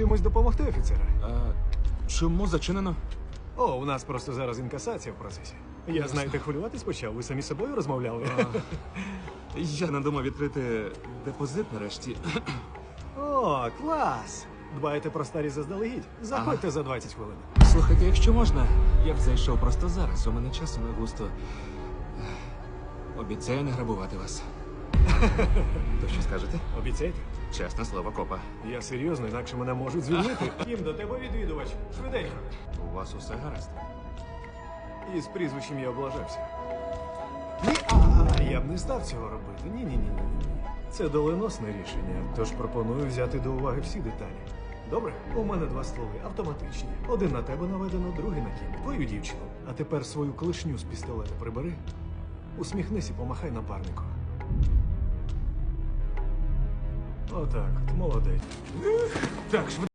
Чимось допомогти, офіцере? Чому зачинено? О, у нас просто зараз інкасація в процесі. Я, знаєте, хвилюватись почав. Ви самі з собою розмовляли. Я надумав відкрити депозит нарешті. О, клас! Дбаєте про старі заздалегідь? Заходьте за 20 хвилин. Слухайте, якщо можна, я б зайшов просто зараз. У мене часу не густо. Обіцяю не грабувати вас. То що скажете? Обіцяйте? Чесне слово, копа. Я серйозно, інакше мене можуть звільнити. Кім, до тебе відвідувач. Швиденько. У вас усе гаразд. І з прізвищем я облажався. Ні, я б не став цього робити. Ні. Це доленосне рішення, тож пропоную взяти до уваги всі деталі. Добре? У мене 2 стволи, автоматичні. Один на тебе наведено, другий на Кім. Твою дівчину. А тепер свою клешню з пістолета прибери. Усміхнись і помахай напарнику. Отак, от, молодець. Так, швидко.